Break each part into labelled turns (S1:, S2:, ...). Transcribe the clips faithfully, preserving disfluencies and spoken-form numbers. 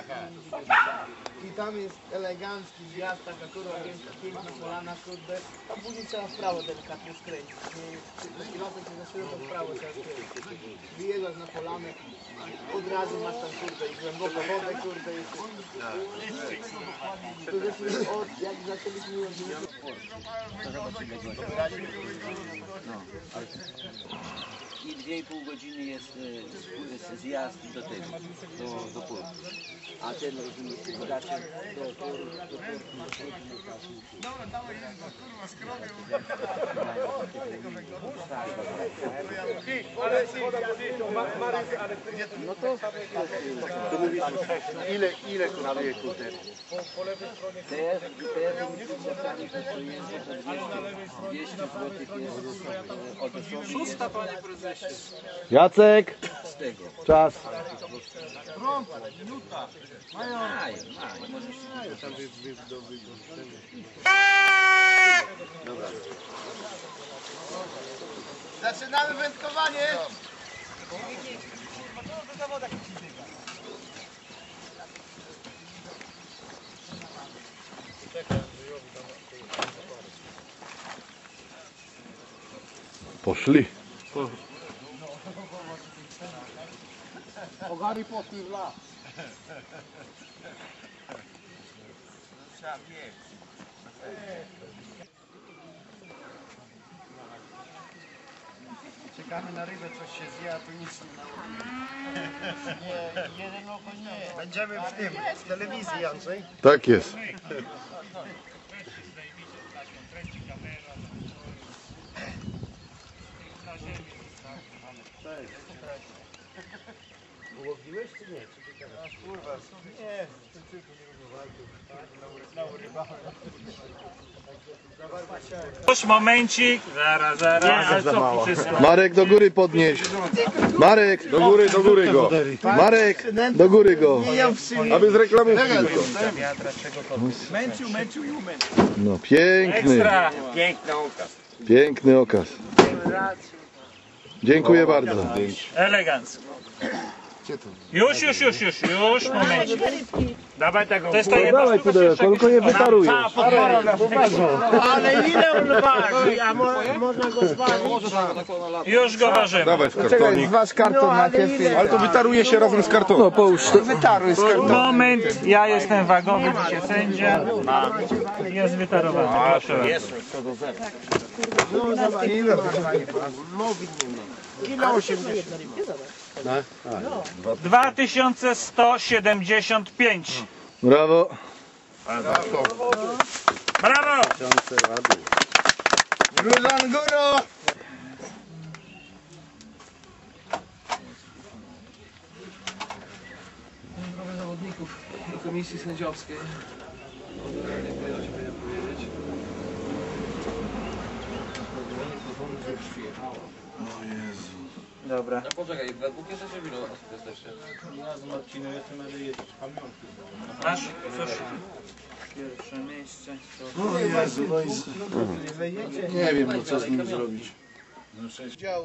S1: I tam jest elegancki zjazd, taka kurwa piękna, piękna polana, kurde. A później trzeba w prawo delikatnie skręcić. Pilotem się zaszyło, to w prawo trzeba skręcić. Wyjeżdżasz na polanę, od razu masz tam kurde i głęboką wodę, kurde. I to zresztą od, jak zaczęliśmy już...
S2: I dwie i pół godziny jest y, zjazd do tego, do, do portu. A ten rozumiecie, raczej do portu, do portu.
S1: Dobra, dawaj, kurwa, skrobię.
S2: No to...
S3: To mówisz, ile, ile kosztuje kuter?
S2: Te, te wynikami to jest dwieście złotych jest od osoby.
S1: Szósta, panie prezesie.
S4: Jacek,
S2: Z tego.
S4: czas.
S1: Pronto, minuta.
S2: Mają, mają, możesz
S3: Tam jest do wygoszczenia.
S1: Zaczynamy wędkowanie.
S4: Poszli.
S1: Ogary poszli w las. Trzeba biec. Czekamy na rybę, coś się zje, a tu nic nie ma. Nie, jeden oko nie. Będziemy w tym, w telewizji, Andrzej.
S4: Tak jest.
S1: Ułowiłeś czy nie? Czy ty teraz? Kurwa, nie, tylko nie urywałem.
S5: Już momencik, zaraz, zaraz.
S4: Za mało. Marek, do góry podnieś. Marek, do góry, do góry go. Marek, do góry go. Aby z reklamówki tylko.
S1: Męczył, męczył i umęczył.
S4: No piękny,
S5: Ekstra.
S3: Piękny okaz.
S4: piękny okaz. Dziękuję bardzo.
S5: Elegancko. Już, już, już, już, już, momencik. Dawaj tego. To jest ta jedna
S4: Dawaj
S5: sztuka,
S4: pudełko, tylko nie wytarujesz.
S1: Ale ile on waży? A mo można go zważyć?
S5: Już go ważymy.
S4: Dawaj w kartonik.
S1: Wasz karton no, najpierw.
S4: Ale to wytaruje się razem z kartonem. No połóż to.
S1: Wytaruj z kartonu.
S5: Moment, ja jestem wagowy, dzisiaj sędzia. Jest wytarowany, proszę bardzo.
S1: Ile? Ile osiemdziesiąt?
S5: dwa tysiące sto siedemdziesiąt pięć.
S4: Brawo.
S5: Brawo!
S1: Gruzan góro! Zdrowie zawodników do komisji sędziowskiej. Dziękuję, że się będę powiedzieć.
S4: O Jezu.
S5: Dobra.
S2: Poczekaj, we dwóch jesteście, w ilu osób jesteście?
S5: Ja z Marcinem jestem, ale jest pamiątki. Masz? Cóż? Pierwsze miejsce.
S4: O Jezu, no i... Nie wiem, no co z nim zrobić.
S6: Udział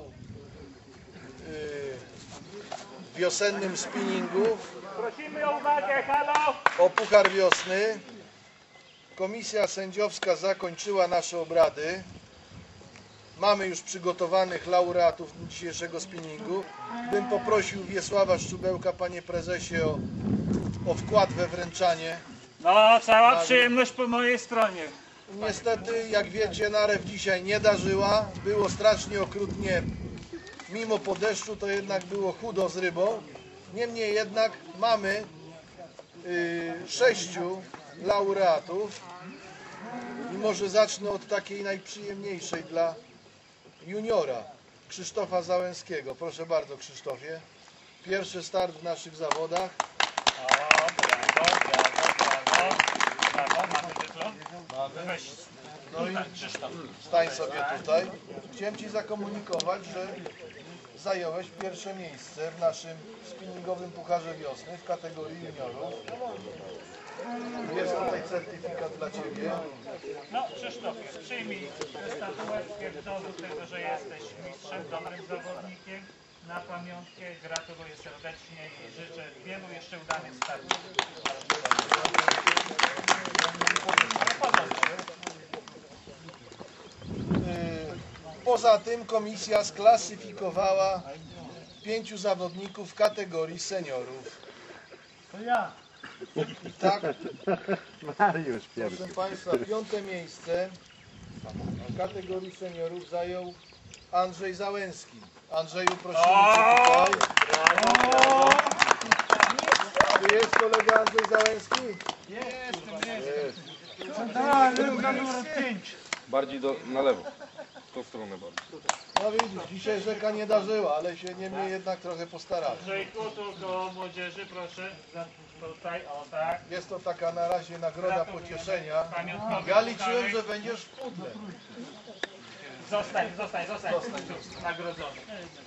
S6: w wiosennym spinningu
S5: Prosimy o uwagę, halo!
S6: o Puchar Wiosny. Komisja sędziowska zakończyła nasze obrady. Mamy już przygotowanych laureatów dzisiejszego spinningu. Bym poprosił Wiesława Szczubełka, panie prezesie, o, o wkład we wręczanie.
S5: No, cała przyjemność po mojej stronie.
S6: Niestety, jak wiecie, narew dzisiaj nie darzyła. Było strasznie okrutnie. Mimo po deszczu to jednak było chudo z rybą. Niemniej jednak mamy y, sześciu laureatów. I może zacznę od takiej najprzyjemniejszej dla juniora, Krzysztofa Załęskiego. Proszę bardzo, Krzysztofie. Pierwszy start w naszych zawodach.
S5: O, brawo, brawo, brawo. Brawo, mamy dyplom? Weź.
S6: No i stań sobie tutaj. Chciałem ci zakomunikować, że zająłeś pierwsze miejsce w naszym spinningowym Pucharze Wiosny w kategorii juniorów. Jest tutaj certyfikat dla ciebie.
S5: No, Krzysztofie, przyjmij statuetkę w dowód tego, że jesteś mistrzem, dobrym zawodnikiem. na pamiątkę. Gratuluję serdecznie i życzę wielu jeszcze udanych startów.
S6: Poza tym komisja sklasyfikowała pięciu zawodników w kategorii seniorów.
S1: To ja.
S6: I tak, proszę Państwa, piąte miejsce w kategorii seniorów zajął Andrzej Załęski. Andrzeju, prosimy Cię tutaj. Tu jest kolega Andrzej Załęski?
S4: Bardziej do, na lewo. W tą stronę bardziej.
S6: No widzisz, dzisiaj rzeka nie darzyła, ale się niemniej jednak trochę postarali.
S5: Andrzejku, tu do młodzieży, proszę. Tutaj, o tak.
S6: Jest to taka na razie nagroda pocieszenia.
S5: Pamiątkowy
S6: Ja liczyłem,
S5: pucharek.
S6: że będziesz w pudle.
S5: Zostań, zostań, zostań. Nagrodzony.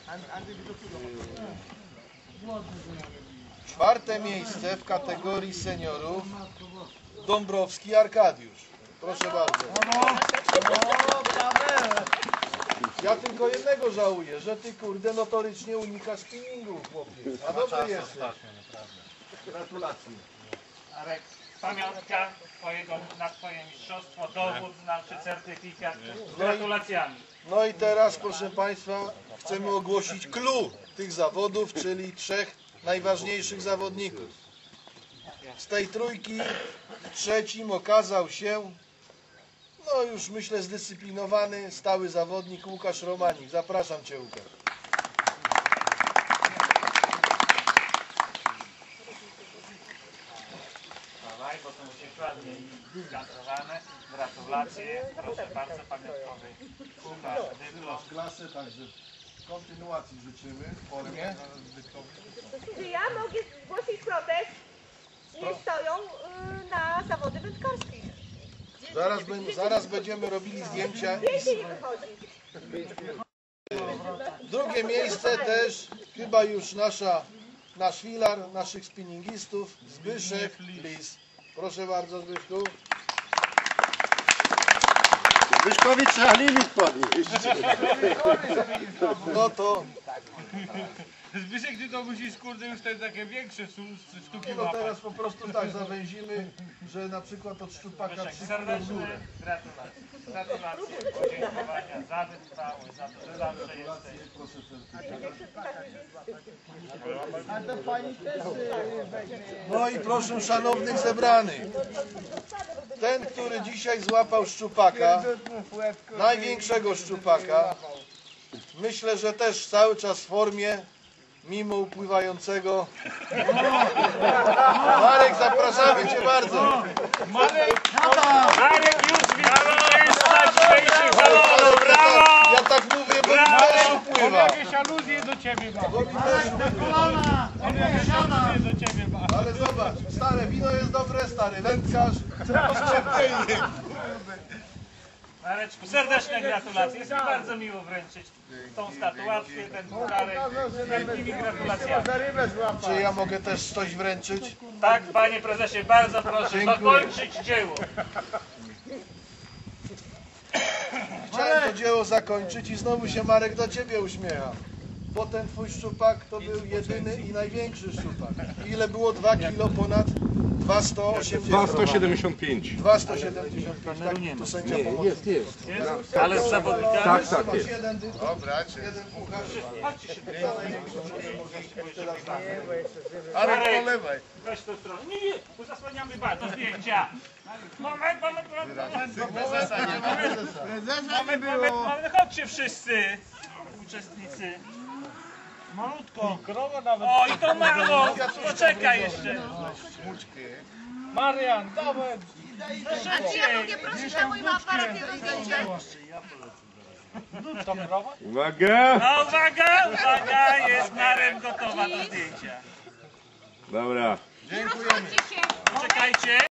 S6: Czwarte miejsce w kategorii seniorów Dąbrowski Arkadiusz. Proszę bardzo. Ja tylko jednego żałuję, że ty kurde notorycznie unikasz spinningu, chłopie. A dobry jesteś. Gratulacje.
S5: Arek, pamiątka twojego, na twoje mistrzostwo, dowód, znaczy certyfikat. Z gratulacjami.
S6: No i teraz, proszę Państwa, chcemy ogłosić clue tych zawodów, czyli trzech najważniejszych zawodników. Z tej trójki trzecim okazał się, no już myślę zdyscyplinowany, stały zawodnik Łukasz Romanik. Zapraszam Cię, Łukasz.
S5: Dawaj, bo to musi być ładnie skantowane. Gratulacje. Proszę bardzo, pamiątkowy puchar, dyplom.
S6: Klasy, także kontynuacji życzymy w formie.
S7: Czy ja mogę zgłosić protest? Nie stoją y, na zawody wędkarskie.
S6: Zaraz, bę- zaraz będziemy robili zdjęcia.
S7: Zdjęcie nie wychodzi.
S6: Drugie miejsce też chyba już nasza, nasz filar, naszych spinningistów, Zbyszek Lis. Proszę bardzo, Zbyszku.
S3: Wyszkowi trzeba limit podnieść.
S6: No to
S5: Zbyszek, ty to musisz, kurde, już te takie większe sztuki
S6: no teraz po prostu tak zawęzimy, że na przykład od szczupaka trzy w
S5: Serdeczne
S6: górę.
S5: gratulacje. Gratulacje, podziękowania za wytrwałość, za to, że zawsze jesteś.
S1: A to pani też y, weźmie.
S6: No i proszę szanownych zebranych. Ten, który dzisiaj złapał szczupaka, największego szczupaka, myślę, że też cały czas w formie, mimo upływającego. Marek, zapraszamy Cię bardzo.
S5: Marek już zwycięzca dzisiejszych zawodów, brawo!
S6: Ja tak mówię, bo mi też upływa.
S5: Jakieś aluzje do ciebie ma.
S6: Bo mi też upływa.
S5: Jakieś aluzje do ciebie ma.
S6: Ale zobacz, stare wino jest dobre, stary wędkarz.
S5: Mareczku, serdeczne gratulacje. Jest mi bardzo miło wręczyć tą statuację, ten pucharek. Z wielkimi gratulacjami.
S1: Za rybę złapać.
S6: Czy ja mogę też coś wręczyć?
S5: Tak, panie prezesie, bardzo proszę
S6: Dziękuję.
S5: dokończyć dzieło.
S6: Chciałem to dzieło zakończyć i znowu się Marek do Ciebie uśmiecha. Bo ten Twój szczupak to był jedyny i największy szczupak. Ile było? dwa kilo ponad? dwieście osiemdziesiąt.
S4: sto siedemdziesiąt pięć.
S6: dwieście siedemdziesiąt pięć. Tak, tu sędzia pomoże.
S4: Jest, jest.
S5: Jest? Ale z zawodnikami?
S4: Tak, tak, jest.
S6: Jeden dyplom, jeden puchar.
S5: Chodźcie się
S6: Za największą możliwość teraz na
S5: Ale polewaj. Weź tą stronę. Nie, nie, tu zasłaniamy bardzo zdjęcia. Moment, moment, moment, moment.
S1: Prezesa nie
S5: Moment,
S1: było.
S5: moment, chodźcie wszyscy uczestnicy. Malutko. O, i to mało. Poczekaj jeszcze. Marian, dawaj.
S7: Czy ja mogę prosić na mój aparat jedno zdjęcie?
S4: Uwaga!
S5: No uwaga, uwaga, jest Marem gotowa do zdjęcia.
S4: Dobra.
S7: Rozchodźcie się.
S5: Poczekajcie.